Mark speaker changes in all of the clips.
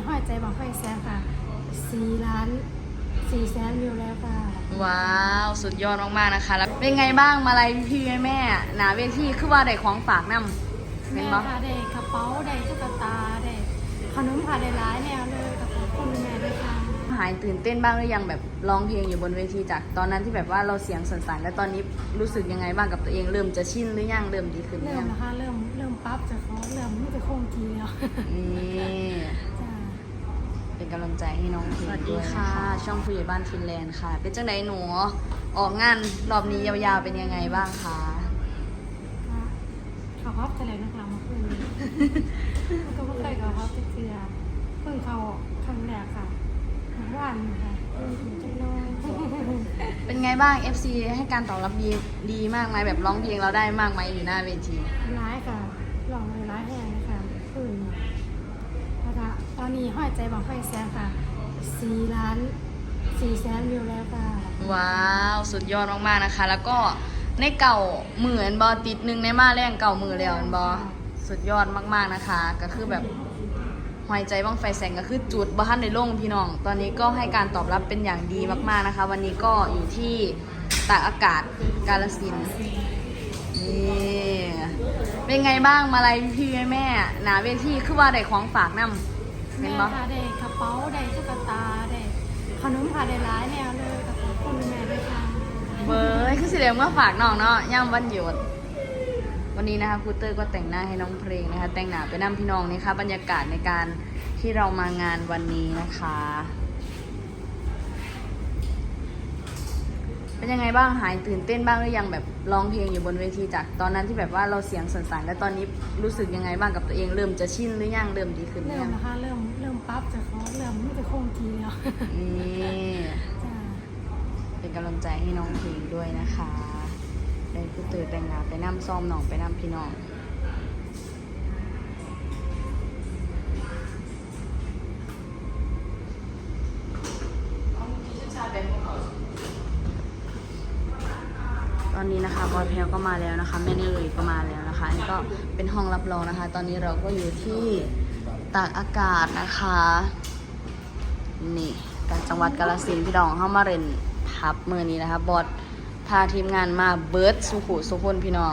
Speaker 1: ห้อยใจบังไฟแสนค่ะ4,400,000 วิวแล้วค่ะ
Speaker 2: ว้าวสุดยอดมากๆนะคะแล้วเป็นไงบ้างมาลัยพี่แม่หนาเวทีคือว่าได้ของฝากนำเป็
Speaker 1: แม่
Speaker 2: นบ่
Speaker 1: ค่ะได้กระเป๋าได้ตุ๊กตาได้ขนมค่ะได้หลายแนวเลยขอบคุณแม่ด้วยค่ะ
Speaker 2: หายตื่นเต้นบ้างหรือยังแบบร้องเพลงอยู่บนเวทีจากตอนนั้นที่แบบว่าเราเสียงสั่นๆแล้วตอนนี้รู้สึกยังไงบ้างกับตัวเองเริ่มจะชินหรือยังเริ่มดีขึ้นหรื
Speaker 1: เริ่
Speaker 2: อ
Speaker 1: ม
Speaker 2: ยัง
Speaker 1: นะคะเริ่มปั๊บจากเขาเริ่มไม่จะคงทีแล้ว
Speaker 2: นี่
Speaker 1: จ้า
Speaker 2: เป็นกำลังใจให้น้องเพลงด้วยนะคะช่องผู้ใหญ่บ้านฟินแลนด์ค่ะ เป็นจังไดหนูออกงานรอบนี้ยาวๆเป็นยังไงบ้างคะ
Speaker 1: เขาพับจะเลยนะคะมาคืนก็ไม่เคยเขาพับเชื่อเพิ่งเขาครั้งแรกค่ะเมื่อวานค่ะถึงจะน้อย
Speaker 2: เป็นไงบ้าง FC ให้การตอบรับดีมากไหมแบบร้องเพลงเราได้มากไหมอยู่หน้าเวที
Speaker 1: ร้ายค่ะหลองเลยร้ายแห้งนะคะคืนนะคะตอนนี้ห้อยใจบังไฟแสนค่ะ4,400,000 วิวแล้วค่ะ
Speaker 2: ว้าวสุดยอดมากๆนะคะ แล้วก็ในเก่ามืออันบอติดหนึ่งในมาแรงเก่ามือแล้วอันบอสุดยอดมากๆนะคะ ก็คือแบบหอยใจบ้างไฟแสงก็คือจุดบ้านในโล่งพี่น้องตอนนี้ก็ให้การตอบรับเป็นอย่างดีมากๆนะคะ วันนี้ก็อยู่ที่ตากอากาศกาฬสินธุ์นี่เป็นไงบ้างมาลัยพี่แม่หนาเวทีคือว่าได้ของฝากนำเป็น
Speaker 1: แม่
Speaker 2: บ่
Speaker 1: ค่ะได้กระเป๋าได้ตุ๊กตาได้ขนมค่ะได้หลายแนวเลยขอบคุณแม่ด้วยค่ะ
Speaker 2: เบยคือสิเดียวเมื่อฝากน้องเนาะย่ำวันหยุดวันนี้นะคะครูเตอร์ก็แต่งหน้าให้น้องเพลงนะคะแต่งหน้าไปนำพี่น้องนี่ค่ะบรรยากาศในการที่เรามางานวันนี้นะคะ เป็นยังไงบ้างหายตื่นเต้นบ้างหรือยังแบบร้องเพลงอยู่บนเวทีจากตอนนั้นที่แบบว่าเราเสียงสั่นๆแล้วตอนนี้รู้สึกยังไงบ้างกับตัวเองเริ่มจะชินหรือยังเริ่มดีขึ้นหรื
Speaker 1: เริ่
Speaker 2: อ
Speaker 1: ม
Speaker 2: ยัง
Speaker 1: นะคะเริ่มปั๊บจากเขาเริ่มไม่จะคงทีแล้ว
Speaker 2: นี่
Speaker 1: จ้า
Speaker 2: เป็นกำลังใจให้น้องเพลงด้วยนะคะได้ครูเตอร์แต่งหน้าไปนำซ้อมน้องไปนำพี่น้องตอนนี้นะคะบอยแพลวก็มาแล้วนะคะแม่เนยก็มาแล้วนะคะอันนี้ก็เป็นห้องรับรองนะคะ ตอนนี้เราก็อยู่ที่ตากอากาศนะคะนี่การจังหวัดกาฬสินธุ์พี่น้องเข้ามาเรียนทับมือนี้นะคะบอสพาทีมงานมาเบิร์ดสุขุสุพนพี่น้อง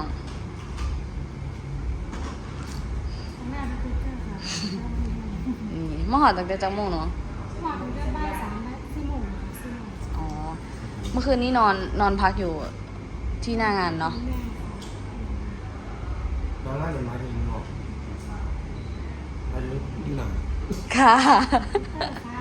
Speaker 1: แม่เป็นคุยเตอร์ค่ะ
Speaker 2: นี่มาหอดตั้งแต่จังโมงเนาะ
Speaker 1: มาถึงได้บ่าย3 และ4 โมงค่ะ4 โมง
Speaker 2: อ๋อเมื่อคืนนี้นอนพักอยู่ที่หน้างานเนาะ
Speaker 1: แม่
Speaker 3: น้องน่าจะมาถึงหรอกอายุอยู่หนัง
Speaker 2: ค่ะ
Speaker 1: ค่ะ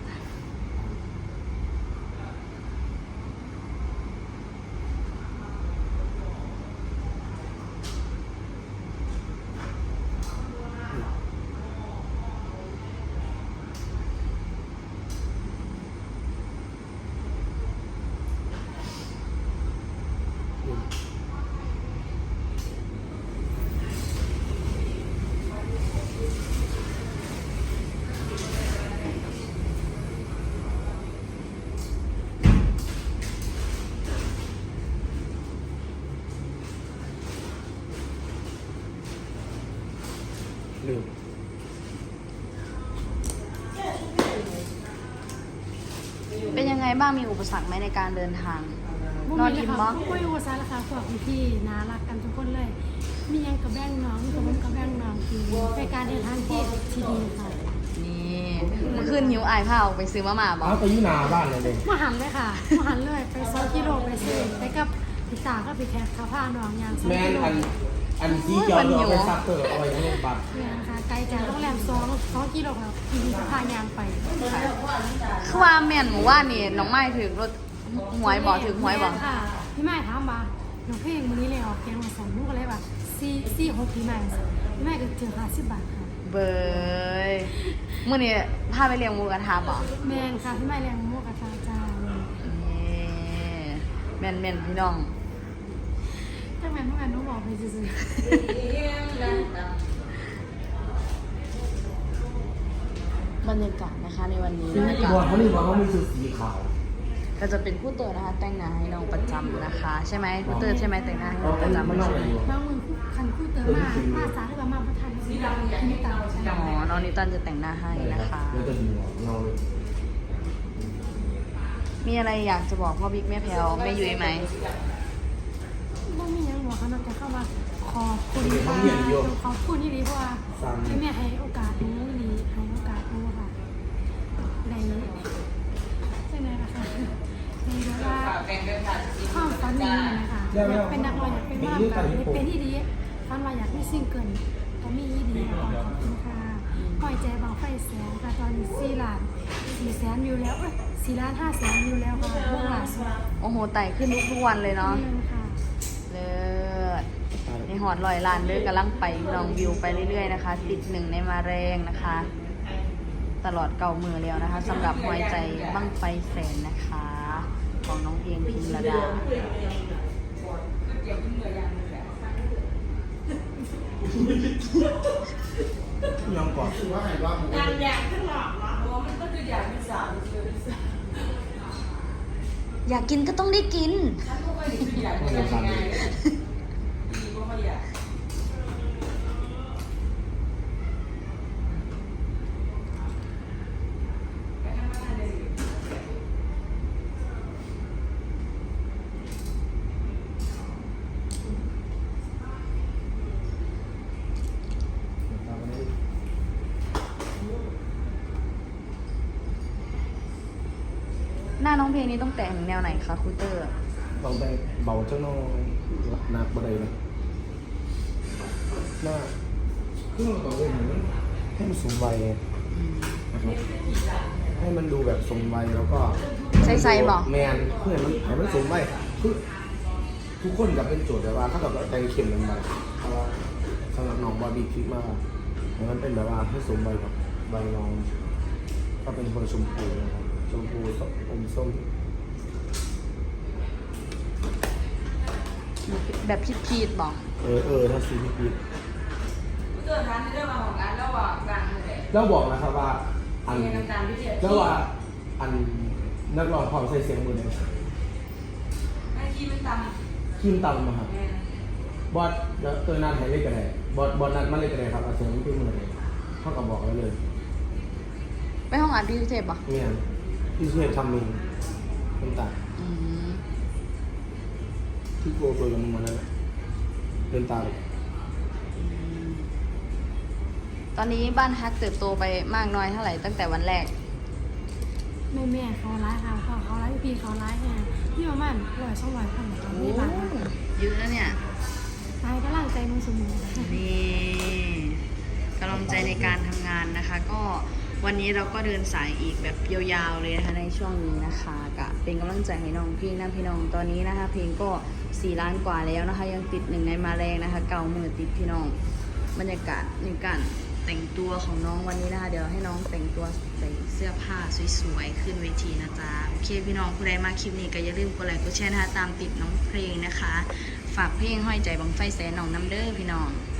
Speaker 3: ลืม
Speaker 2: เป็นยังไงบ้างมีอุปสรรคไหมในการเดินทาง นอนอิ่ม
Speaker 1: บ่
Speaker 2: บ่
Speaker 1: คุยอุตสาหะพวกพี่ๆน่ารักกันทุกคนเลย มียังกับแบ่งน้องมีกับผมกับแบ่งน้องคือเป็นการเดินทางที่ดีค่ะ
Speaker 2: นี่เมื่อคืนหิวอายผ้าออกไปซื้อมาม่าบอ
Speaker 3: เอาไปอยู่หนาบ้านเลยเลย
Speaker 1: มาหันเลยค่ะมาหันเลยไป2 กิโลไปซื้อไปกับพี่ตาก็ไปแคสข้าวผ้าน้องยาง2
Speaker 3: แม่
Speaker 1: กิ
Speaker 3: น
Speaker 1: โล
Speaker 3: อันที่เกี่ยวเรือไปซักเตอร์เอาไว้ทั้งโรงพยาบาล
Speaker 1: เนี่ยนะคะไกลจากโรงแรม2 กิโลค่ะพี่จะพายางไป
Speaker 2: คือว่าแม่นหมู่ว่านี่น้องไม้ถึงรถหวยบอกถึงหวยบอก
Speaker 1: ค่ะพี่ไม้ถามว่าน้องเพลงมื้อนี้เลยออกแกงมา2ลูกก็เลยว่า4-6พี่ไม้พี่ไม้ก็ถึง50 บาทค่ะ
Speaker 2: เบยมื่อนี้พาไปเลี้ยงหมูกระทะบอก
Speaker 1: แม่นค่ะพี่ไม้เลี้ยงหมูกระทะจ้า
Speaker 2: นี่แม่นพี่น้อง
Speaker 1: จังแม่นเมื่อวานหนูบอกไปซื่อบ
Speaker 2: รรยากาศนะคะในวันนี้
Speaker 3: ซึ่ง
Speaker 2: นะ
Speaker 3: อี
Speaker 2: คะ
Speaker 3: บอลเขานี่บอกเขามีสูตรสีขาว
Speaker 1: ค
Speaker 2: ก็จะเป็นคู่เตอร์นะคะแต่งหน้าให้น้องประจำนะคะ ใช่ไหมคู่เตอร์ใช่ไหมแต่งหน้าให้น้องประจำ
Speaker 3: มันนอก
Speaker 2: ใช่
Speaker 3: ไป
Speaker 2: ไหม
Speaker 3: อยู่
Speaker 1: บางมือคันคู่เติมมาสาหรือว่ามาพัฒนาสิ่งที่มีต่างใช่ไหม
Speaker 2: อ๋อน้องนิวตันจะแต่งหน้าให้นะคะ
Speaker 3: แล้วจะดูเงาเลย
Speaker 2: มีอะไรอยากจะบอกพ่อบิ๊กแม่แพลวแม่ยุ้ยไหม
Speaker 1: ไม่มียังบอกเขานอกจากเข้ามาขอบคุณค่ะขอบคุณที่ดีเพราะว่าที่แม่ให้โอกาสหนูดีให้โอกาสหนูค่ะในใช่ไหมล่ะคะในเรื่องว่าความฝันนี้นะคะอยากเป็นนักร้องอยากเป็นว่าแบบเป็นที่ดีฝันว่าอยากมีซิงเกิลก็มีดีขอบคุณค่ะปล่อยใจบางไฟแสนค่ะตอนนี้4,400,000วิวแล้ว4,500,000วิวแล้วค่ะเมื่อล่าสุด
Speaker 2: โอ้โหไต่ขึ้นทุกวันเลยเนาะ
Speaker 1: ค่ะ
Speaker 2: เลิศในหอดลอยลานเด้อกำลังไปลองวิวไปเรื่อยๆนะคะ ติดหนึ่งในมาแรงนะคะ ตลอดเก่ามือแล้วนะคะสำหรับหัวใจบั้งไฟแสนนะคะ ของน้องเพลงพิมระดา
Speaker 3: ยังก่อน
Speaker 2: อยากกินก็ต้องได้กิน
Speaker 3: ไม่ได้ฟังเลย
Speaker 2: หน้าน้องเพลงนี้ต้องแต่งแนวไหนคะครูเตอร์
Speaker 3: ต้องไปเบาเจ้าน้อยหนักบ่ได้นะหน้าเครื่องต่อเลยเหมือนให้มันสมวัยนะครับให้มันดูแบบสมวัยแล้วก็
Speaker 2: ใส่ๆบอก
Speaker 3: แมนเพื่อให้มันสมวัยคือทุกคนกับเป็นโจทย์แต่ว่าถ้ากับใจเข้มกันไปเพราะว่าสำหรับน้องบอดี้คิดมากให้มันเป็นแบบว่าให้สมวัยกับใบน้องก็เป็นคนชมพูนะครับชมพูอมส้ม
Speaker 2: แบบพีดๆบอก
Speaker 3: ถ้าซีพีพี
Speaker 4: เกิดร้านที่เริ่มมาของร้านแล้วว่าดังเลย
Speaker 3: แล้วบอกนะครับว่าอัน
Speaker 4: มีน้ำตาลพิเศษ
Speaker 3: แล้วว่าอันนักร้องพร้อมใส่เสียงมือเลย
Speaker 4: ไอ้ที่มันต
Speaker 3: คิมตำมาครับ
Speaker 4: ำเนี่ย
Speaker 3: บอสแล้วตัวนัดให้เล่นกันเลยบอสนัดมาเล่นกันเลยครับเอาเสียงที่มือเลยเท่ากับบอกไว้เลย
Speaker 2: ไปห้องอัดพี่เทพบอก
Speaker 3: เนี่ยที่เชฟทำเองน้ำตาล
Speaker 2: อืม
Speaker 3: ที่โกโปรยกับมึงมาแล้วเดินตาเลย
Speaker 2: ตอนนี้บ้านฮักเติบโตไปมากน้อยเท่าไหร่ตั้งแต่วันแรก
Speaker 1: แม่เขาร้ายค่ะเขาร้ายพี่เขาร้ายแฮงพี่ประมาณ100-200คนตอน
Speaker 2: โอ้
Speaker 1: นี้บ้าน
Speaker 2: เยอะแล้วเนี่ย
Speaker 1: ตายกำลังใจมือสมุน
Speaker 2: นี่กำลังใจในการทำงานนะคะ ก็วันนี้เราก็เดินสายอีกแบบยาวๆเลยนะคะในช่วงนี้นะคะกะเป็นกำลังใจให้น้องพี่นะพี่น้องตอนนี้นะคะ เพลงก็4 ล้านกว่าแล้วนะคะ ยังติดหนึ่งในมาแรงนะคะ เก่ามือติดพี่น้องบรรยากาศในการแต่งตัวของน้องวันนี้นะคะ เดี๋ยวให้น้องแต่งตัวใส่เสื้อผ้าสวยๆขึ้นเวทีนะจ๊ะโอเคพี่น้องผู้ใดมาคลิปนี้ก็อย่าลืมกดไลค์กดแชร์นะคะตามติดน้องเพลงนะคะ ฝากเพลงห้อยใจบังไฟแสนน้องน้ำเด้อพี่น้อง